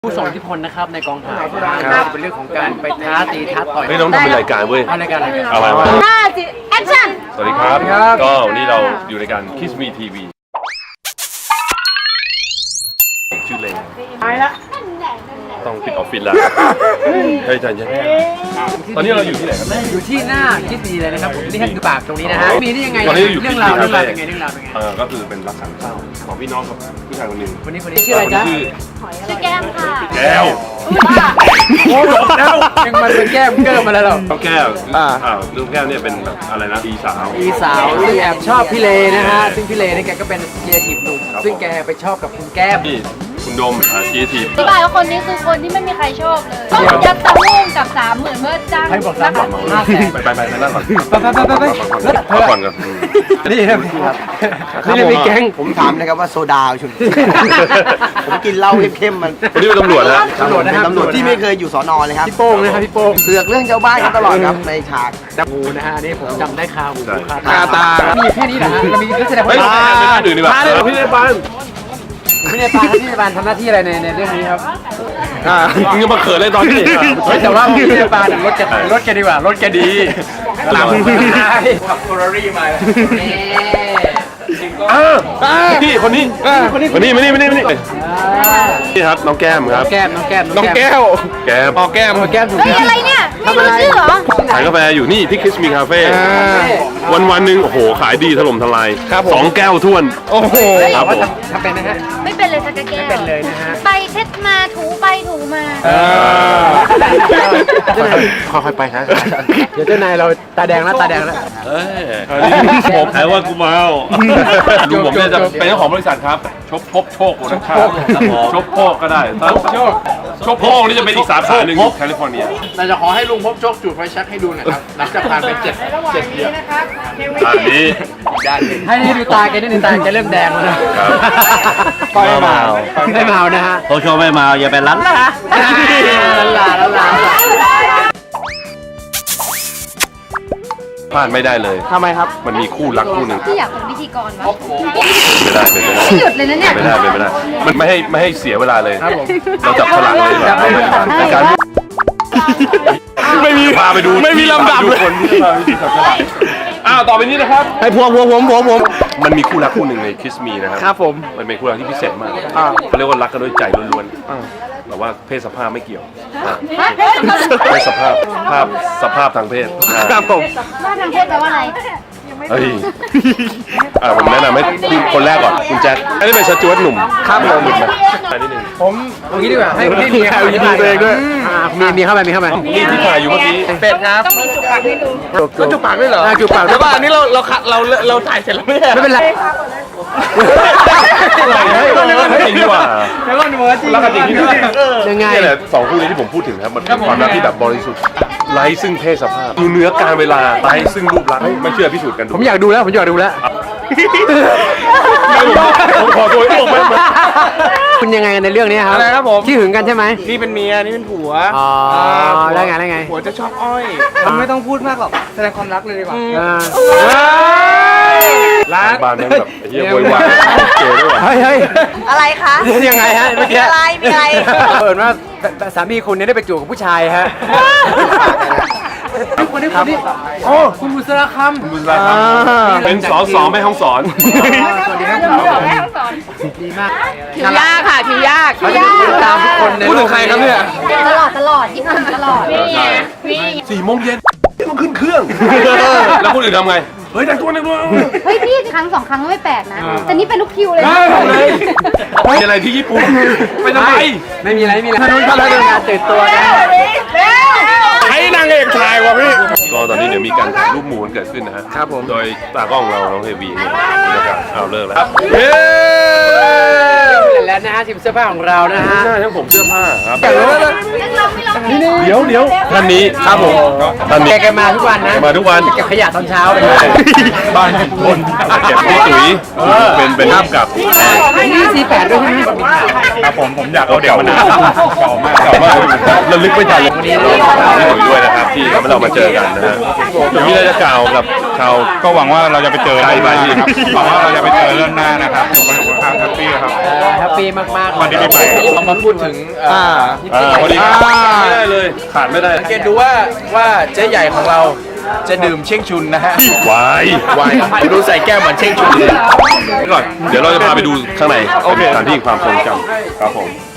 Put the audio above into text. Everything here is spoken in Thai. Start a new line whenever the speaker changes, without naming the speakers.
ผู้ทรงอิทธิพลนะครับในกองถ่ายเป็นเรื่องของการไปท้าตีท้าต่อย
ไม่ต้องทำเป็นรายการเว้ย
รายการอะไรกัน
เอาไว้
แอคชั่น
สวัสดีครับ ก็วันนี้เราอยู่ในการ Kiss Me TV ชื่อเลงต้องปิดออฟฟิศแล้วเฮ้ยใจเย็นตอนนี้เราอยู่ที่ไหนครับ
อยู่ที่หน้าคิดดีเลยนะครับผมนี่แค่คือปากตรงนี้นะฮะมีได้ยังไง
ตอนนี้อยู่
เรื่องราวเป็นไงเรื่องราวเป็นไง
ก็คือเป็นรักสามเศร้าของพี่น้องกับผู้ชายคนหนึ่ง
คนนี้ชื่ออะไรจ๊ะ
ชื่อแก้มค่ะ
แก้ว
โอ้โหแล้วยังมันเป็นแก้มเกิร์มาแล้วหรอ
น้องแก้วลูกแก้วเนี่ยเป็นแบบอะไรนะอีสาว
อีสาวซึ่งแอบชอบพี่เลนะฮะซึ่งพี่เลนี่แกก็เป็นเจียทีฟหนุ่มซึ่งแกไปชอบกับคุณแก้ม
ที่คุณดมชีที
อธิบายว่าคนนี้คือคนที่ไม่มีใครชอบเลยต้องยัดตะลุ่งกับ30,000เมื่อจ้าง
ให้บอก3
ไปนั่งก่อน
ไป
ก่อนกัน
นี่ครับนี่เลยมีแก๊ง
ผมถามนะครับว่าโซดาชุน ผมกินเหล้าเข้มๆมัน
วันนี้เป็นตำรวจนะ
ตำรวจนะครับ
ตำรวจที่ไม่เคยอยู่สอนอเลยครับ
พี่โป้งนะครับพี่โป้ง
เสือกเรื่องชาวบ้านกันตลอดครับในฉาก
จับงูนะฮะนี่ผมจำได้คาหูคา
คาตา
มีแค่นี้เหรอฮะมีนักแสดง
ไม่
ว่า
ไม่ดื่มดีกว่าพี่ในบ้าน
พี่ในปานทำหน้าที่อะไรในเรื่องนี้ครับ
มึงจะมาเขินเลยตอนนี้
แต่ว่าพี่ในปานรถแกดีกว่ารถแกดีหลังขับโครารี่มา
พี่คนนี้มานี่นี่ครับน้องแก้มครับ
แก้ม
แก้ม
ถูก
เฮ้ยอะไรเนี่ยไม่รู้ชื่อเหรอ
ขายกาแฟอยู่นี่ที่ Kiss Me Cafe วันหนึ่งโอ้โหขายดีถล่มทลาย2 แก้วท้วนโอ้โหครับผม
ทำเป็นนะฮะ
ไม่เป็นเลยสักแก้ว
เป็นเลยนะฮะ
ไปเช็ดมาถูไปถูมา
ค่อยๆไปฮะ
เดี๋ยวเจ้านายเราตาแดงแล้ว
ผมใครว่ากูเมาลุงผมเนี่ยจะเป็นเจ้าของบริษัทครับชบพบโชคโปรดักชั่นชบโชคก็ได้ชบโชคนี่จะเป็นอีกสาขาหนึ่งแคลิฟอร์เนีย
เราจะขอให้ลุงพบโชคจุดไฟแช็กให้ดูหน่อยครับ หลังจากผ่านไป7 เดือน
อันนี้
ให้นี่ดูตาแกนี่ดูตาแกเริ่มแดงแล้วนะไม่เมานะฮะ
โคชไม่เมาอย่าไปรั้นละ
ลา
พลาดไม่ได้เลย
ทำไมครับ
มันมีคู่รักคู่หนึ่ง
ที่อยากเป็นพิธีกรวะ
ไม่ได้เป็นไม่ได้
ไม่หยุดเลยนะเนี่ย
ไม่ได้มันไม่ให้เสียเวลาเลยเราจับฉลากเลยดีกว่าในการไม่มีพาไปดูไม่มีลำดับเลยคนที่มาจับฉลากต่อไปนี้นะครับ
ให้ผม
มันมีคู่รักคู่หนึ่งใน Kiss Me นะครับ
ครับผม
มันเป็นคู่รักที่พิเศษมากเขาเรียกว่ารักกันด้วยใจล้วนๆแต่ว่าเพศสภาพไม่เกี่ยวเพศสภาพทางเพศ
ครับผม
ว่าทางเพศแปลว่าอะไร
เฮ้ยผมแนะนำให้คนแรกก่อนคุณแจ็คอันนี้เป็นสจวตหนุ่ม
ครับผม
หนุ่มไหมนิดนึง
เอางี้ดีกว่าให้มีเข้าไปมีเข้าไป
นี่ที่ถ่ายอยู่เมื่อกี้
เป็ดครับ
ต้องมีจุกปากให้ดู
ก็จุบปากด้วยเหรอ
จูบปาก
แต่ว่าอันนี้เราถ่ายเสร็จแล้วไม่ใช่
ไม่เป็นไร
จริงดีกว่า
แล้วก็หนูจริง
รักกันจริงที่ไหน
ยังไง
นี่แหละสองคู่นี้ที่ผมพูดถึงครับมันเป็นความรักที่แบบบริสุทธิ์ไร้ซึ่งเพศสภาพดูเนื้อการเวลาไร้ซึ่งรูปลักษณ์ไม่เชื่อพิสูจน์กันดู
ผมอยากดูแล้ว
ผมขอตัวออกมา
คุณยังไงในเรื่องนี้ครับ
อะไรครับผม
ที่หึงกันใช่ไหม
นี่เป็นเมียนี่เป็นผัว
อ๋อแล้วไง
ผัวจะชอบอ้อยไม่ต้องพูดมากหรอกแสดงความรักเลยดีกว่า
ร้าน
บ้านแม่งแบบเฮียโวยวายเจอด้วย
เฮ้ย
อะไรคะ
ยังไงฮะเมื่อกี้
มีอะไร
เปิดว่าสามีคุณเนี่ยได้ไปจูบกับผู้ชายฮะคนนี้โอ้คุณบุษราคำ
บุญราครับเป็นสสแม่ห้องสอน
สวัสดีครับดีมาก
ผิวยากค่ะผิวยาก
เขาจะติดตามทุกคนใน
พูดถึงใครครับเนี่ย
ตลอดญี่ปุ่นตลอดนี่ไงนี่
4 โมงเย็นต้องขึ้นเครื่อง แล้วคนอื่นทำไง เฮ้ยแต่งตัว
เฮ้ยพี่ครั้ง2 ครั้งก็ไม่แปลกนะ แต่นี่เป็นลูกคิวเลย
มีอะไรที่ญี่ปุ่นไปทำไม
ไม่มีอะไรถนนเขาเรื่องการตื่นตัวนะ
ให้นางเอกถ่ายวะพี่
ก็ตอนนี้เดี๋ยวมีการถ่ายรูปหมู่กันเกิดขึ้นนะฮะ
ครับผม
โดยตากล้องเราน้องเฮวีเนี่ยนะครับเอาเลิกแล้ว
แล้วนะฮะทีมเสื้อผ้าของเรานะฮะ
หน้าทั้งผมเสื้อผ้าครับ
ไม่ลอง
เดี๋ยวท่านนี้ครับผมท่านนี้
แกมาทุกวันนะ
มาทุกวัน
เก็บขยะตอนเช้าเลย
บ้านคนเก็บที่ตุ๋ยเป็นภาพกับ
นี่48ด้วยใช่ไหม
ครับผมอยากเอาเดี๋ยวมานานเก่ามากระลึกไม่ทันเลยนี่ตุ๋ยด้วยนะครับที่ทำให้เรามาเจอกันนะฮะมีอะไรจะกล่าวกับช
เราก็หวังว่าเราจะไปเจอได้ไหมครับหวังว่าเราจะไปเจอเรื่องหน้านะครับสุขภาพแฮปปี้ครับ
แฮปปี้มากๆ
วันนี้ปีใหม่
เรามาพูดถึง
พอดีครับไม่ได้เลยขาดไม่ได้
สังเกตดูว่าเจ๊ใหญ่ของเราจะดื่มเช่งชุนนะฮะ
วาย
ดูใส่แก้วเหมือนเช่งชุนเลย
ก่อนเดี๋ยวเราจะพาไปดูข้างในสถานที่ความทรงจำครับผม